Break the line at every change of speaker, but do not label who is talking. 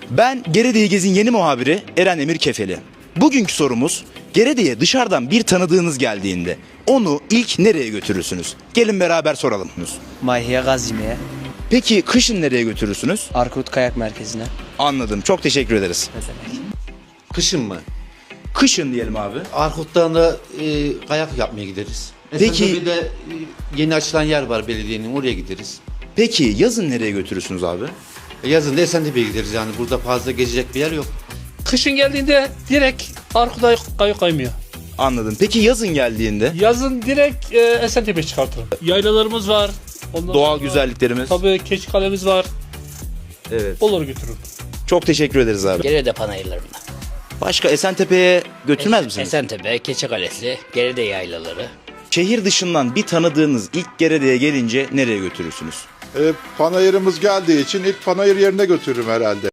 Ben Gerede'yi Gez'in yeni muhabiri Eren Emir Kefeli. Bugünkü sorumuz, Gerede'ye dışarıdan bir tanıdığınız geldiğinde onu ilk nereye götürürsünüz? Gelin beraber soralım.
Mayhiye Gazimi'ye,
Peki kışın nereye götürürsünüz?
Arkut Kayak Merkezi'ne.
Anladım. Çok teşekkür ederiz.
Ne demek?
Kışın mı?
Kışın diyelim abi.
Arkut'tan da kayak yapmaya gideriz.
Peki-
Esentepe'de yeni açılan yer var belediyenin, oraya gideriz.
Peki yazın nereye götürürsünüz abi?
Yazın da Esentepe'ye gideriz, yani burada fazla gezecek bir yer yok.
Kışın geldiğinde direkt Arkut'a kaymıyor.
Anladım. Peki yazın geldiğinde?
Yazın direkt Esentepe çıkartırım. Yaylalarımız var. Ondan
Doğal
sonra
güzelliklerimiz.
Tabii Keçikalemiz var.
Evet.
Onları götürürüm.
Çok teşekkür ederiz abi.
Gerede panayırlarında.
Başka Esentepe'ye götürmez misiniz?
Esentepe, Keçikalesi, Gerede yaylaları.
Şehir dışından bir tanıdığınız ilk Gerede'ye gelince nereye götürürsünüz?
Panayırımız geldiği için ilk panayır yerine götürürüm herhalde.